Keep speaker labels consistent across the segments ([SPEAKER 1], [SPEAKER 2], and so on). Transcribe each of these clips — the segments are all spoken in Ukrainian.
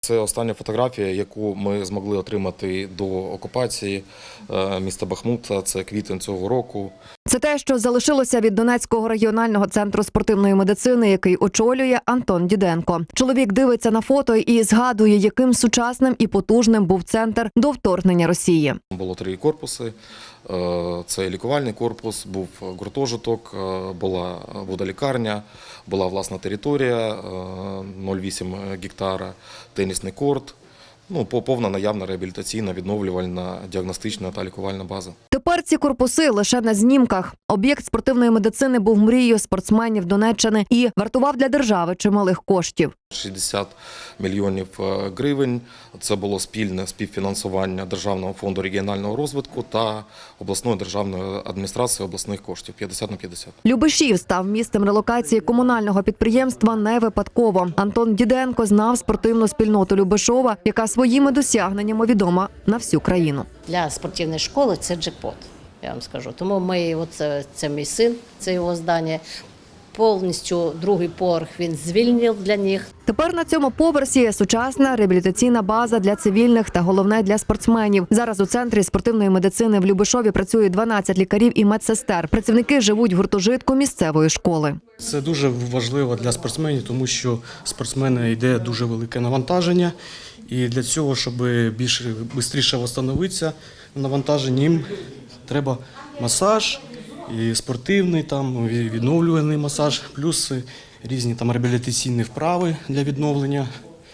[SPEAKER 1] Це остання фотографія, яку ми змогли отримати до окупації міста Бахмута. Це квітень цього року.
[SPEAKER 2] Це те, що залишилося від Донецького регіонального центру спортивної медицини, який очолює Антон Діденко. Чоловік дивиться на фото і згадує, яким сучасним і потужним був центр до вторгнення Росії.
[SPEAKER 1] Було 3 корпуси. Це лікувальний корпус, був гуртожиток, була водолікарня, була власна територія, 0,8 гектара, тенісний корт. Повна наявна реабілітаційна, відновлювальна, діагностична та лікувальна база.
[SPEAKER 2] Тепер ці корпуси лише на знімках. Об'єкт спортивної медицини був мрією спортсменів Донеччини і вартував для держави чималих коштів.
[SPEAKER 1] 60 мільйонів гривень. Це було спільне співфінансування Державного фонду регіонального розвитку та обласної державної адміністрації обласних коштів 50/50.
[SPEAKER 2] Любешів став місцем релокації комунального підприємства не випадково. Антон Діденко знав спортивну спільноту Любешова, яка своїми досягненнями відома на всю країну.
[SPEAKER 3] Для спортивної школи це джекпот, я вам скажу. Тому це мій син, це його здання. Повністю другий поверх він звільнив для них.
[SPEAKER 2] Тепер на цьому поверсі сучасна реабілітаційна база для цивільних та головне для спортсменів. Зараз у центрі спортивної медицини в Любешові працює 12 лікарів і медсестер. Працівники живуть в гуртожитку місцевої школи.
[SPEAKER 4] Це дуже важливо для спортсменів, тому що спортсмени йде дуже велике навантаження. І для цього, щоб швидше відновитися навантаження, їм треба масаж, і спортивний, відновлювальний масаж, плюс різні реабілітаційні вправи для відновлення.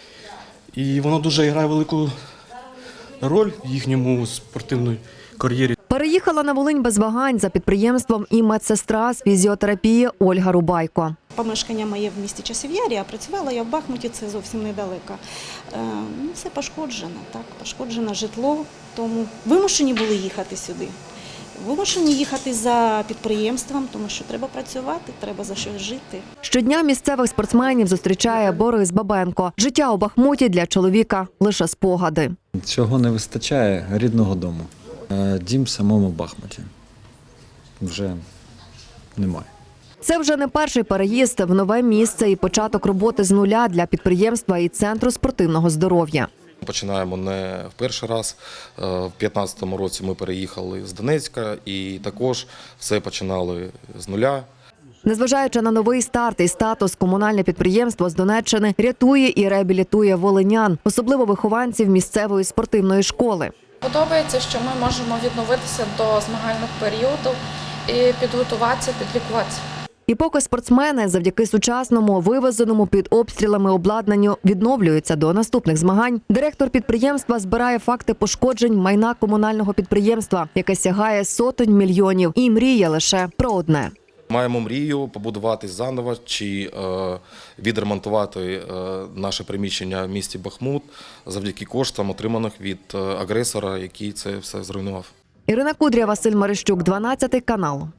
[SPEAKER 4] І воно дуже грає велику роль в їхньому спортивній кар'єрі.
[SPEAKER 2] Переїхала на Волинь без вагань за підприємством і медсестра з фізіотерапії Ольга Рубайко.
[SPEAKER 5] Помешкання моє в місті Часів'ярі, а працювала я в Бахмуті, це зовсім недалеко. Все пошкоджено, пошкоджено житло, тому вимушені були їхати сюди. Вимушені їхати за підприємством, тому що треба працювати, треба за щось жити.
[SPEAKER 2] Щодня місцевих спортсменів зустрічає Борис Бабенко. Життя у Бахмуті для чоловіка – лише спогади.
[SPEAKER 6] Цього не вистачає рідного дому. Дім в самому Бахмуті вже немає.
[SPEAKER 2] Це вже не перший переїзд в нове місце і початок роботи з нуля для підприємства і Центру спортивного здоров'я.
[SPEAKER 1] Починаємо не в перший раз. В 2015 році ми переїхали з Донецька і також все починали з нуля.
[SPEAKER 2] Незважаючи на новий старт і статус, комунальне підприємство з Донеччини рятує і реабілітує волинян, особливо вихованців місцевої спортивної школи.
[SPEAKER 7] Подобається, що ми можемо відновитися до змагальних періодів і підготуватися, підлікуватися.
[SPEAKER 2] І поки спортсмени завдяки сучасному, вивезеному під обстрілами обладнанню відновлюються до наступних змагань, директор підприємства збирає факти пошкоджень майна комунального підприємства, яке сягає сотень мільйонів, і мріє лише про одне.
[SPEAKER 1] Маємо мрію побудувати заново чи відремонтувати наше приміщення в місті Бахмут завдяки коштам, отриманих від агресора, який це все зруйнував.
[SPEAKER 2] Ірина Кудря, Василь Марищук, 12 канал.